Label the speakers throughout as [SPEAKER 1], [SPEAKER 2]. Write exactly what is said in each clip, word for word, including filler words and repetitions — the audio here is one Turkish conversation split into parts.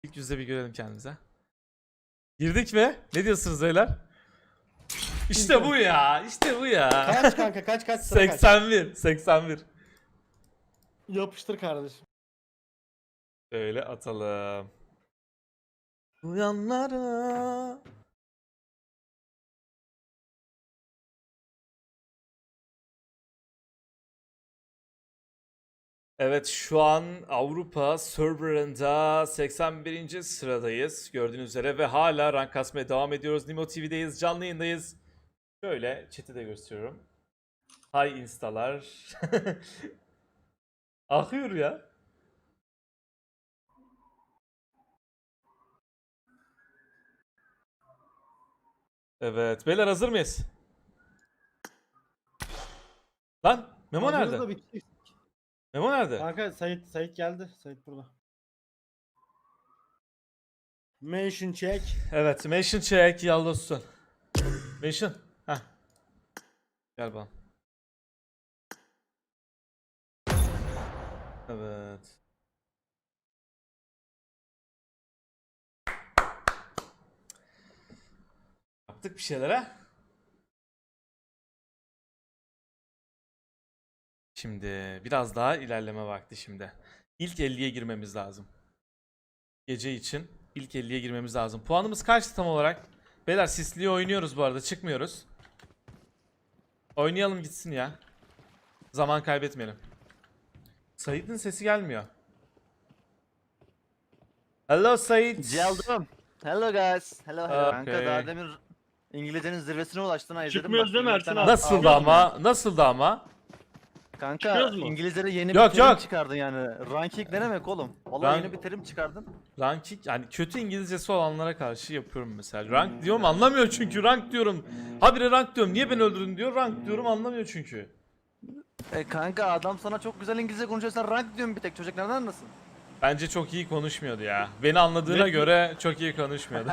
[SPEAKER 1] İlk yüzde bir görelim kendimize. Girdik mi? Ne diyorsunuz beyler? İşte bu ya. İşte bu ya.
[SPEAKER 2] Kaç kanka kaç kaç sıra kaç.
[SPEAKER 1] seksen bir. seksen bir.
[SPEAKER 2] Yapıştır kardeşim.
[SPEAKER 1] Öyle atalım. Uyanlara. Evet, şu an Avrupa serverında seksen birinci sıradayız gördüğünüz üzere ve hala rank kasmaya devam ediyoruz. Nimo T V'deyiz, canlı yayındayız. Şöyle chat'i de gösteriyorum. Hi instalar. Akıyor ya. Evet, beyler hazır mıyız? Lan Memo
[SPEAKER 2] Hazırız
[SPEAKER 1] nerede?
[SPEAKER 2] da bir kişi-
[SPEAKER 1] Memo nerede?
[SPEAKER 2] Kanka Sait Sait geldi. Sait burada. Mention check.
[SPEAKER 1] Evet, Mansion check yaldostun. Mansion. Heh. Gel bana. Evet. Yaptık bir şeyler ha? Şimdi biraz daha ilerleme vakti şimdi. İlk elliye girmemiz lazım. Gece için ilk elliye girmemiz lazım. Puanımız kaçtı tam olarak? Beyler sisliye oynuyoruz bu arada, çıkmıyoruz. Oynayalım gitsin ya. Zaman kaybetmeyelim. Sait'in sesi gelmiyor. Hello Sait.
[SPEAKER 3] Geldim. Hello guys. Hello hello.
[SPEAKER 1] Okay.
[SPEAKER 3] Kanka daha demin İngilizcenin zirvesine ulaştın ha izledim.
[SPEAKER 4] Çıkmıyoruz
[SPEAKER 3] bak,
[SPEAKER 4] değil mi
[SPEAKER 3] bir
[SPEAKER 4] Ersin
[SPEAKER 3] tane-
[SPEAKER 4] abi?
[SPEAKER 1] Nasıldı
[SPEAKER 4] Çıkıyoruz mu?
[SPEAKER 1] ama? Nasıldı ama?
[SPEAKER 3] Kanka
[SPEAKER 4] Çıkıyoruz mu?
[SPEAKER 3] İngilizlere yeni
[SPEAKER 1] Yok,
[SPEAKER 3] bir terim
[SPEAKER 1] yok.
[SPEAKER 3] çıkardın yani. Ranking ne demek oğlum? Vallahi
[SPEAKER 1] Rank-
[SPEAKER 3] yeni bir terim çıkardın.
[SPEAKER 1] Ranking, yani kötü İngilizcesi olanlara karşı yapıyorum mesela. Rank diyorum anlamıyor çünkü, rank diyorum. Habire rank diyorum. Niye beni öldürdün diyor. Rank diyorum anlamıyor çünkü.
[SPEAKER 3] E kanka adam sana çok güzel İngilizce konuşuyor, sen rank diyorsun bir tek. Çocuk nereden anlasın?
[SPEAKER 1] Bence çok iyi konuşmuyordu ya. Beni anladığına
[SPEAKER 4] Ne?
[SPEAKER 1] göre çok iyi konuşmuyordu.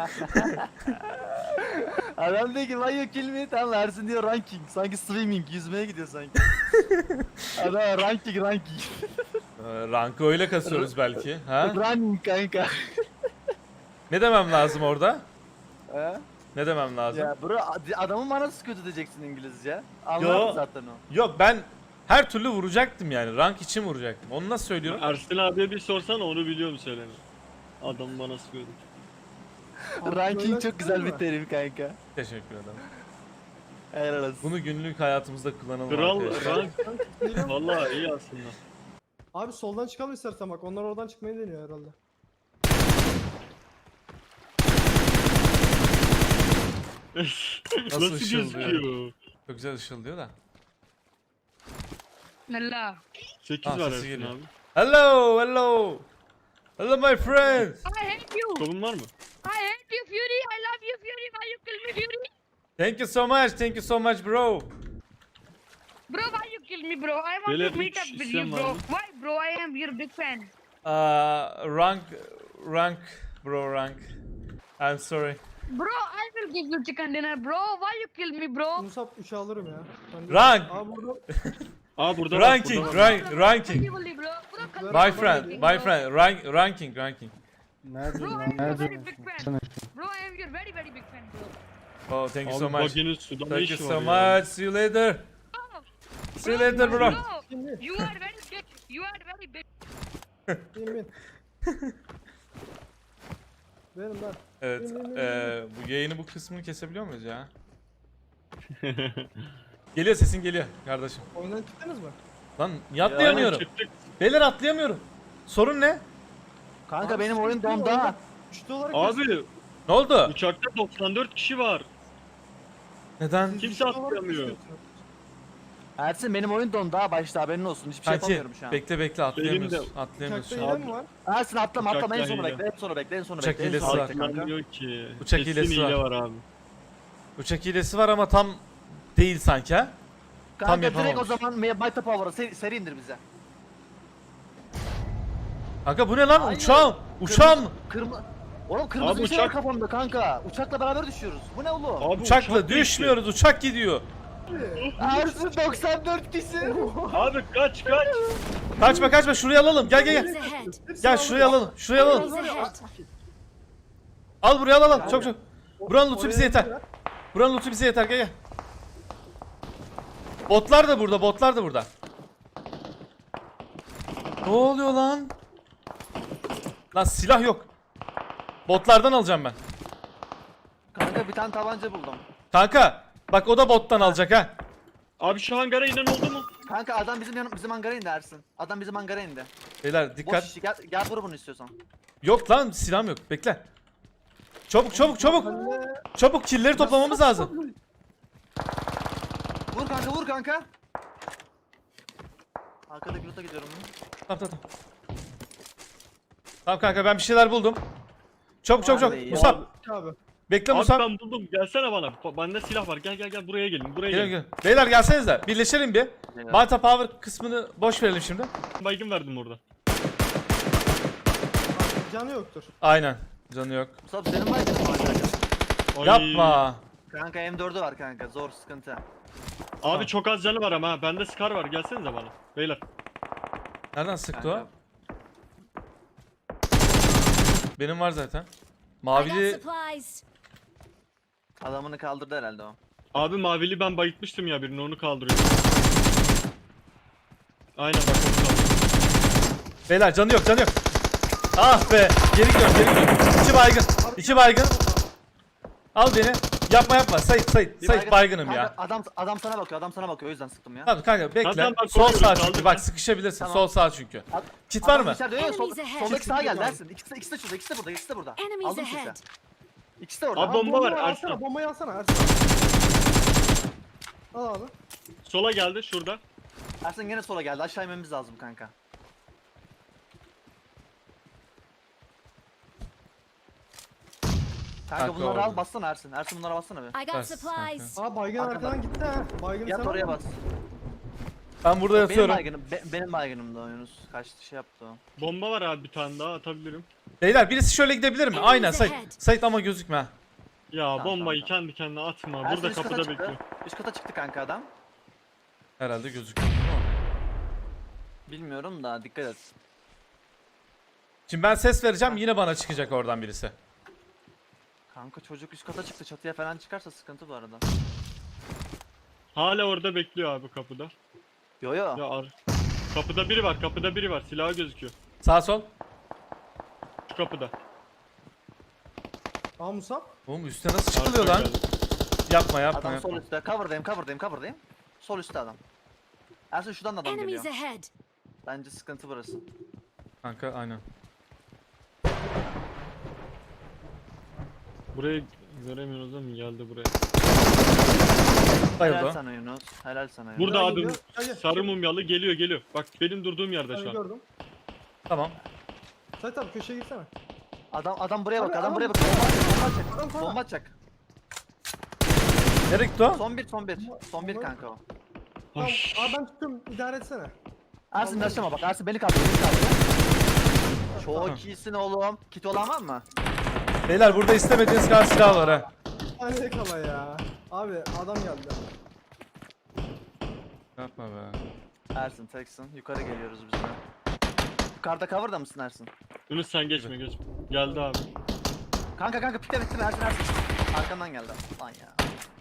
[SPEAKER 3] Adam diyor ki why you kill me? Tamam Ersin diyor ranking. Sanki swimming, yüzmeye gidiyor sanki. Adam ranking ranking.
[SPEAKER 1] Ee, Rankı öyle kasıyoruz belki. Ha?
[SPEAKER 3] Running kanka.
[SPEAKER 1] Ne demem lazım orada?
[SPEAKER 3] He?
[SPEAKER 1] Ne demem lazım?
[SPEAKER 3] Ya bro ad- adamın manası kötü diyeceksin İngilizce.
[SPEAKER 1] Yo.
[SPEAKER 3] Anladın zaten o.
[SPEAKER 1] Yok, ben her türlü vuracaktım yani. Rank için vuracaktım. Onu nasıl söylüyorum?
[SPEAKER 4] Ersin abiye bir sorsana, onu biliyor mu söyleme. Adam bana sıkıyordu.
[SPEAKER 3] Ranking
[SPEAKER 2] Böyle
[SPEAKER 3] çok güzel bir
[SPEAKER 2] değil mi?
[SPEAKER 3] terim kanka.
[SPEAKER 1] Teşekkür ederim.
[SPEAKER 3] Helal olsun.
[SPEAKER 1] Bunu günlük hayatımızda kullanalım
[SPEAKER 4] Kral
[SPEAKER 1] arkadaşlar.
[SPEAKER 4] rank vallahi iyi aslında.
[SPEAKER 2] Abi soldan çıkalım istersen bak. Onlar oradan çıkmayı deniyor herhalde.
[SPEAKER 4] Nasıl,
[SPEAKER 1] ışıldıyor?
[SPEAKER 4] gözüküyor?
[SPEAKER 1] Çok güzel ışıldıyor da.
[SPEAKER 5] Nella.
[SPEAKER 4] sekiz
[SPEAKER 1] Ah,
[SPEAKER 4] var
[SPEAKER 1] sesi
[SPEAKER 4] Ersin
[SPEAKER 1] geliyor.
[SPEAKER 4] abi.
[SPEAKER 1] Hello, hello. Hello my friend.
[SPEAKER 5] I hate you.
[SPEAKER 4] Kolun var mı?
[SPEAKER 5] I hate you, Fury. I love you, Fury. Why you kill me, Fury?
[SPEAKER 1] Thank you so much. Thank you so much bro.
[SPEAKER 5] Bro, why you kill me, bro? I want
[SPEAKER 4] Beyler,
[SPEAKER 5] to meet
[SPEAKER 4] üç
[SPEAKER 5] up with
[SPEAKER 4] isyan
[SPEAKER 5] you,
[SPEAKER 4] var
[SPEAKER 5] bro.
[SPEAKER 4] mı?
[SPEAKER 5] Why, bro? I am your big fan.
[SPEAKER 1] Uh, rank, rank, bro, rank. I'm sorry.
[SPEAKER 5] Bro, I will give you chicken dinner, bro. Why you kill me, bro?
[SPEAKER 2] Musab üçü alırım ya. Ben de-
[SPEAKER 1] Rank.
[SPEAKER 2] Aa burada.
[SPEAKER 4] Aa burada var,
[SPEAKER 1] Ranking,
[SPEAKER 4] burada var.
[SPEAKER 1] rank, ranking.
[SPEAKER 5] Unbelievably, bro. Bro,
[SPEAKER 1] My friend, my friend, rank, ranking, ranking.
[SPEAKER 2] Nerede
[SPEAKER 5] Bro, I am your very big fan. Bro, I am your very, very big fan, bro.
[SPEAKER 1] Oh, thank you so
[SPEAKER 4] Abi
[SPEAKER 1] much.
[SPEAKER 4] baginin suda ne
[SPEAKER 1] Thank you
[SPEAKER 4] işi
[SPEAKER 1] so
[SPEAKER 4] var ya?
[SPEAKER 1] much. See you later.
[SPEAKER 5] Oh,
[SPEAKER 1] See you later bro.
[SPEAKER 2] Şimdi.
[SPEAKER 5] you are very big. You are very big.
[SPEAKER 2] Bin bin. Benim ben.
[SPEAKER 1] Evet, eee, bu yayını bu kısmını kesebiliyor muyuz ya? Geliyor, sesin geliyor kardeşim.
[SPEAKER 2] Oyundan çıktınız mı?
[SPEAKER 1] Lan niye atlayamıyorum?
[SPEAKER 4] Çıktık.
[SPEAKER 1] Beyler atlayamıyorum. Sorun ne?
[SPEAKER 3] Kanka
[SPEAKER 2] Abi,
[SPEAKER 3] benim
[SPEAKER 2] sıkıntı
[SPEAKER 3] oyun
[SPEAKER 2] yok,
[SPEAKER 3] donda.
[SPEAKER 2] oyunda Üçlü olarak
[SPEAKER 4] Abi
[SPEAKER 1] Ne oldu?
[SPEAKER 4] uçakta doksan dört kişi var.
[SPEAKER 1] Neden?
[SPEAKER 2] Siz
[SPEAKER 4] Kimse
[SPEAKER 2] üçlü olarak
[SPEAKER 4] atlayamıyor.
[SPEAKER 2] gözüküyorsunuz.
[SPEAKER 3] Ersin benim oyun donda başta haberin olsun. Hiçbir şey
[SPEAKER 1] Kanki
[SPEAKER 3] yapamıyorum şu an.
[SPEAKER 1] bekle bekle atlayamıyoruz.
[SPEAKER 4] Benim
[SPEAKER 1] Atlayamıyoruz
[SPEAKER 2] Uçakta
[SPEAKER 1] şu an.
[SPEAKER 2] hile mi var?
[SPEAKER 3] Ersin atlama atlama en
[SPEAKER 4] Uçakta
[SPEAKER 3] sona
[SPEAKER 4] hile.
[SPEAKER 3] bekle. En sona bekle. En sona
[SPEAKER 1] Uçak
[SPEAKER 3] bekle. En
[SPEAKER 1] hilesi
[SPEAKER 3] sona
[SPEAKER 1] var.
[SPEAKER 3] bekle kanka.
[SPEAKER 4] Atlanmıyor ki.
[SPEAKER 1] Uçak
[SPEAKER 4] Kesin
[SPEAKER 1] hilesi
[SPEAKER 4] hile
[SPEAKER 1] var.
[SPEAKER 4] var abi.
[SPEAKER 1] Uçak hilesi var ama tam değil sanki ha. Tam
[SPEAKER 3] Kanka direkt o
[SPEAKER 1] yapamamış.
[SPEAKER 3] zaman Mighty Power'a seri, seri indir bize.
[SPEAKER 1] Kanka bu ne lan?
[SPEAKER 3] Hayır.
[SPEAKER 1] Uçağım! Uçağım!
[SPEAKER 3] Kırmızı... Oğlum kırmızı
[SPEAKER 4] Abi
[SPEAKER 3] bir şey var
[SPEAKER 4] uçak-
[SPEAKER 3] kafamda kanka. Uçakla beraber düşüyoruz. Bu ne oğlum?
[SPEAKER 4] Abi
[SPEAKER 1] Uçakla
[SPEAKER 4] uçak değişti.
[SPEAKER 1] düşmüyoruz. Uçak gidiyor.
[SPEAKER 2] Abi.
[SPEAKER 3] Ersin doksan dört kişi.
[SPEAKER 4] Abi kaç kaç.
[SPEAKER 1] Kaçma kaçma, şuraya alalım. Gel gel gel.
[SPEAKER 6] Enemies ahead.
[SPEAKER 1] Gel şuraya alalım. Şuraya alalım.
[SPEAKER 6] Enemies ahead.
[SPEAKER 1] Al buraya, al al, al. Çok çok. Buranın loot'u bize
[SPEAKER 2] Oraya
[SPEAKER 1] yeter.
[SPEAKER 2] ya.
[SPEAKER 1] Buranın loot'u bize yeter, gel gel. Botlar da burada, botlar da burada. Ne oluyor lan? Lan silah yok. Botlardan alacağım ben.
[SPEAKER 3] Kanka bir tane tabanca buldum.
[SPEAKER 1] Kanka bak, o da bottan alacak ha.
[SPEAKER 4] Abi şu hangara inen oldu mu?
[SPEAKER 3] Kanka adam bizim yanım bizim hangara indi Ersin. Adam bizim hangara indi.
[SPEAKER 1] Beyler
[SPEAKER 3] Boş
[SPEAKER 1] dikkat.
[SPEAKER 3] işi gel, gel vur bunu istiyorsan.
[SPEAKER 1] Yok lan, silahım yok. Bekle. Çabuk çabuk çabuk.
[SPEAKER 2] Anne.
[SPEAKER 1] Çabuk killleri toplamamız lazım.
[SPEAKER 3] Vur kanka vur kanka. Arkadaki loot'a gidiyorum.
[SPEAKER 1] Tamam tamam. Tamam Tamam kanka, ben bir şeyler buldum. Çabuk çabuk çabuk.
[SPEAKER 3] Abi ya.
[SPEAKER 1] Musab.
[SPEAKER 2] Abi.
[SPEAKER 1] Bekle
[SPEAKER 4] Abi
[SPEAKER 1] Musab.
[SPEAKER 4] ben buldum. Gelsene bana. Ba- Bende silah var. Gel gel gel buraya gelin. Buraya
[SPEAKER 1] Gel
[SPEAKER 4] gelin.
[SPEAKER 1] gel. Beyler gelsenize. Birleşelim bir.
[SPEAKER 3] Gel.
[SPEAKER 1] Malta Power kısmını boş verelim şimdi.
[SPEAKER 4] Baygın verdim orada.
[SPEAKER 2] Abi canı yoktur.
[SPEAKER 1] Aynen. Canı yok.
[SPEAKER 3] Musab senin var mı?
[SPEAKER 4] Ay.
[SPEAKER 1] Yapma.
[SPEAKER 3] Kanka M dördü var kanka zor sıkıntı.
[SPEAKER 4] Abi çok az canı var ama ha. Bende Scar var. Gelsenize bana. Beyler.
[SPEAKER 1] Nereden sıktı o?
[SPEAKER 3] Kanka.
[SPEAKER 1] Benim var zaten.
[SPEAKER 6] I got
[SPEAKER 1] Mavili
[SPEAKER 6] supplies.
[SPEAKER 3] Adamını kaldırdı herhalde o.
[SPEAKER 4] Abi mavili ben bayıtmıştım ya birini, onu kaldırıyorum. Aynen bak onu kaldırıyorum.
[SPEAKER 1] Beyler canı yok, canı yok. Ah be. Geri gidiyorum, geri gidiyorum. İçi baygın. İçi baygın. Al beni. Yapma yapma. Sait Sait.
[SPEAKER 3] Bir
[SPEAKER 1] Sait
[SPEAKER 3] baygın-
[SPEAKER 1] baygınım
[SPEAKER 3] kanka,
[SPEAKER 1] ya.
[SPEAKER 3] Adam adam sana bakıyor adam sana bakıyor o yüzden sıktım ya.
[SPEAKER 1] Tamam kanka bekle.
[SPEAKER 4] Tamam, ben
[SPEAKER 1] Sol
[SPEAKER 4] koruyorum,
[SPEAKER 1] sağ
[SPEAKER 4] kaldır
[SPEAKER 1] çünkü.
[SPEAKER 4] sen.
[SPEAKER 1] Bak sıkışabilirsin.
[SPEAKER 3] Tamam.
[SPEAKER 1] Sol sağ çünkü.
[SPEAKER 3] Ad-
[SPEAKER 1] Kit var
[SPEAKER 3] adam
[SPEAKER 1] mı?
[SPEAKER 3] içeride, yok, sol,
[SPEAKER 6] Enemies ahead.
[SPEAKER 3] soldaki sağa geldi
[SPEAKER 2] Var.
[SPEAKER 3] Ersin. İkisi de, ikisi de şurada ikisi de burada ikisi de burada ikisi de burada.
[SPEAKER 6] Enemies
[SPEAKER 3] Aldım sesi.
[SPEAKER 6] ahead.
[SPEAKER 3] İkisi de orada.
[SPEAKER 4] Abi bomba var
[SPEAKER 2] Bombayı
[SPEAKER 4] Ersin.
[SPEAKER 2] alsana, bombayı alsana Ersin. Al abi.
[SPEAKER 4] Sola geldi şurada.
[SPEAKER 3] Ersin gene sola geldi aşağı inmemiz lazım kanka. Kanka
[SPEAKER 1] Kanka
[SPEAKER 3] bunları al
[SPEAKER 1] orada.
[SPEAKER 3] bassana Ersin. Ersin bunlara bassana bir.
[SPEAKER 6] I got
[SPEAKER 1] Ters,
[SPEAKER 6] supplies.
[SPEAKER 2] Aa baygın
[SPEAKER 3] Arkadan.
[SPEAKER 2] arkadan gitti ha. Baygın
[SPEAKER 3] Yat
[SPEAKER 2] sen
[SPEAKER 3] oraya
[SPEAKER 2] al.
[SPEAKER 3] bas.
[SPEAKER 1] Ben burada
[SPEAKER 3] Benim
[SPEAKER 1] yatıyorum.
[SPEAKER 3] baygınım, be- benim baygınım da Yunus. Kaçtı şey yaptı o.
[SPEAKER 4] Bomba var abi, bir tane daha atabilirim.
[SPEAKER 1] Beyler birisi şöyle gidebilir mi?
[SPEAKER 6] Enemies
[SPEAKER 1] Aynen Sait.
[SPEAKER 6] ahead.
[SPEAKER 1] Sait ama gözükme ha.
[SPEAKER 4] Ya
[SPEAKER 3] Tamam,
[SPEAKER 4] bombayı
[SPEAKER 3] tamam,
[SPEAKER 4] kendi kendine atma.
[SPEAKER 3] Ersin
[SPEAKER 4] Burada
[SPEAKER 3] üst kata
[SPEAKER 4] kapıda
[SPEAKER 3] çıktı.
[SPEAKER 4] bekliyor.
[SPEAKER 3] Üst kata çıktı kanka adam.
[SPEAKER 1] Herhalde gözüküyor. Tamam.
[SPEAKER 3] Bilmiyorum da dikkat et.
[SPEAKER 1] Şimdi ben ses vereceğim, yine bana çıkacak oradan birisi.
[SPEAKER 3] Kanka çocuk üst kata çıktı çatıya falan çıkarsa sıkıntı bu arada.
[SPEAKER 4] Hala orada bekliyor abi kapıda.
[SPEAKER 3] Yo yo.
[SPEAKER 4] Ya ar kapıda biri var, kapıda biri var. Silahı gözüküyor.
[SPEAKER 1] Sağ sol.
[SPEAKER 4] Şu kapıda.
[SPEAKER 2] Aa Musab.
[SPEAKER 1] Oğlum üstte nasıl çıkılıyor
[SPEAKER 4] Arkaya
[SPEAKER 1] lan?
[SPEAKER 4] geldi.
[SPEAKER 1] Yapma yapma
[SPEAKER 3] Adam
[SPEAKER 1] yapma.
[SPEAKER 3] sol üstte. Cover'dayım cover'dayım cover'dayım. Sol üstte adam. Ersin şuradan da adam geliyor.
[SPEAKER 6] Enemies ahead.
[SPEAKER 3] Bence sıkıntı burası.
[SPEAKER 1] Kanka aynen.
[SPEAKER 4] Burayı göremiyoruz ama geldi buraya.
[SPEAKER 1] Bayıldı
[SPEAKER 3] Helal
[SPEAKER 1] o.
[SPEAKER 3] sana Yunus. Helal sana Yunus.
[SPEAKER 4] Burada
[SPEAKER 2] Gel,
[SPEAKER 4] abi
[SPEAKER 2] gel, gel, gel.
[SPEAKER 4] sarı mumyalı geliyor geliyor. Bak benim durduğum yerde
[SPEAKER 2] Abi
[SPEAKER 4] şu an.
[SPEAKER 2] gördüm.
[SPEAKER 1] Tamam.
[SPEAKER 2] Sait abi köşeye girsene.
[SPEAKER 3] Adam adam buraya bak.
[SPEAKER 2] Abi,
[SPEAKER 3] Adam
[SPEAKER 2] adam-
[SPEAKER 3] buraya bak. Bomba atacak. Bomba
[SPEAKER 2] Adam
[SPEAKER 3] atacak.
[SPEAKER 2] sana.
[SPEAKER 3] Bomba atacak.
[SPEAKER 1] Nereye gitti o?
[SPEAKER 3] Son bir son bir. Son bir
[SPEAKER 2] Bomba-
[SPEAKER 3] kanka o.
[SPEAKER 2] Tamam.
[SPEAKER 4] Hoş.
[SPEAKER 2] Abi ben tutuyorum. İdare etsene.
[SPEAKER 3] Ersin başlama bak. Ersin beni kaldır. Beni kaldır. Çok iyisin oğlum. Kit olan var mı?
[SPEAKER 1] Beyler burada istemediğiniz kadar silah var ha.
[SPEAKER 2] Hadi kala ya. Abi adam geldi.
[SPEAKER 1] Yapma be.
[SPEAKER 3] Ersin teksin. Yukarı geliyoruz biz de. Yukarıda cover'da mısın Ersin?
[SPEAKER 4] Yunus sen geçme geçme. Geldi abi.
[SPEAKER 3] Kanka kanka pikle bitti mi Ersin Ersin? Arkandan geldi. Lan ya.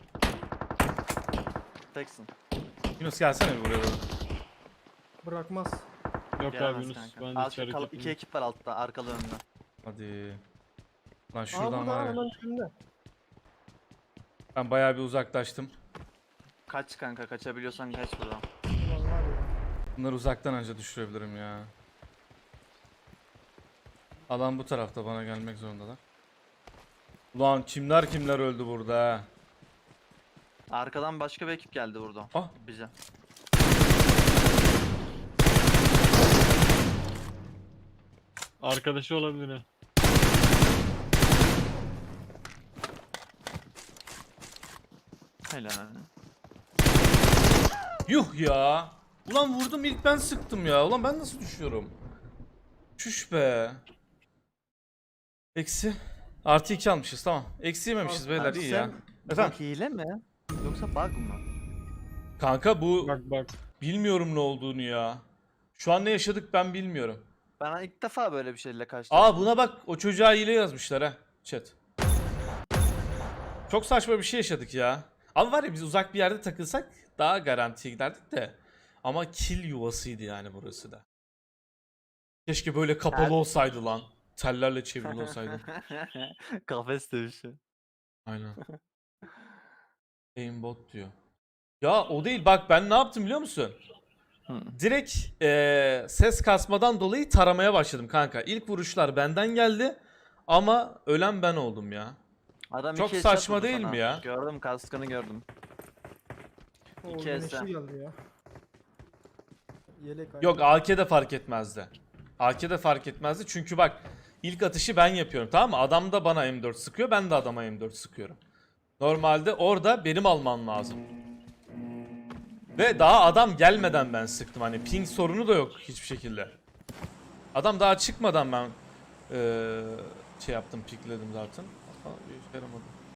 [SPEAKER 3] Teksin.
[SPEAKER 1] Yunus gelsene bir buraya doğru.
[SPEAKER 2] Bırakmaz.
[SPEAKER 4] Yok abi
[SPEAKER 3] Gelemez
[SPEAKER 4] Yunus
[SPEAKER 3] kanka.
[SPEAKER 4] ben de
[SPEAKER 3] Az
[SPEAKER 4] içeri
[SPEAKER 3] kal-
[SPEAKER 4] gittim.
[SPEAKER 3] iki ekip var altta arkalı önlü.
[SPEAKER 1] Hadi. Lan
[SPEAKER 2] Aa
[SPEAKER 1] şuradan
[SPEAKER 2] burada
[SPEAKER 1] var ya.
[SPEAKER 2] hemen önünde.
[SPEAKER 1] Ben bayağı bir uzaklaştım.
[SPEAKER 3] Kaç kanka kaçabiliyorsan kaç buradan.
[SPEAKER 2] Ulan var ya.
[SPEAKER 1] Bunları uzaktan önce düşürebilirim ya. Adam bu tarafta, bana gelmek zorundalar. Ulan kimler kimler öldü burada ha.
[SPEAKER 3] Arkadan başka bir ekip geldi burada.
[SPEAKER 1] Ah.
[SPEAKER 3] Bize.
[SPEAKER 4] Arkadaşı olabilir ha.
[SPEAKER 3] Helal.
[SPEAKER 1] Yuh ya. Ulan vurdum, ilk ben sıktım ya. Ulan ben nasıl düşüyorum? Çüş be. Eksi. Artı iki almışız, tamam. Eksi yememişiz beyler,
[SPEAKER 3] Abi
[SPEAKER 1] iyi
[SPEAKER 3] sen-
[SPEAKER 1] ya. Efendim?
[SPEAKER 3] Bu hile mi? Yoksa bug mı?
[SPEAKER 1] Kanka bu
[SPEAKER 4] Bak bak.
[SPEAKER 1] bilmiyorum ne olduğunu ya. Şu an ne yaşadık ben bilmiyorum.
[SPEAKER 3] Ben ilk defa böyle bir şeyle karşılaştım.
[SPEAKER 1] Aa buna bak, o çocuğa hile yazmışlar ha chat. Çok saçma bir şey yaşadık ya. Ama var ya, biz uzak bir yerde takılsak daha garantiye giderdik de. Ama kill yuvasıydı yani burası da. Keşke böyle kapalı
[SPEAKER 3] Tel-
[SPEAKER 1] olsaydı lan. Tellerle çevrili olsaydı.
[SPEAKER 3] Kafes dövüşü.
[SPEAKER 1] Aynen. Aimbot diyor. Ya o değil, bak ben ne yaptım biliyor musun?
[SPEAKER 3] Hı.
[SPEAKER 1] Direkt eee, ses kasmadan dolayı taramaya başladım kanka. İlk vuruşlar benden geldi ama ölen ben oldum ya.
[SPEAKER 3] Adam
[SPEAKER 1] Çok
[SPEAKER 3] iki headshot
[SPEAKER 1] saçma
[SPEAKER 3] vurdu
[SPEAKER 1] değil
[SPEAKER 3] sana.
[SPEAKER 1] mi ya?
[SPEAKER 3] Gördüm, kaskını gördüm.
[SPEAKER 2] O
[SPEAKER 3] İki
[SPEAKER 2] güneşli
[SPEAKER 3] esen.
[SPEAKER 2] geldi ya. Yelek
[SPEAKER 1] Yok, A K'de fark etmezdi. A K'de fark etmezdi çünkü bak, ilk atışı ben yapıyorum, tamam mı? Adam da bana M dört sıkıyor, ben de adama M dört sıkıyorum. Normalde orada benim almam lazım. Ve daha adam gelmeden ben sıktım, hani ping sorunu da yok hiçbir şekilde. Adam daha çıkmadan ben eee, şey yaptım, pikledim zaten. Ama bir işe yaramadı.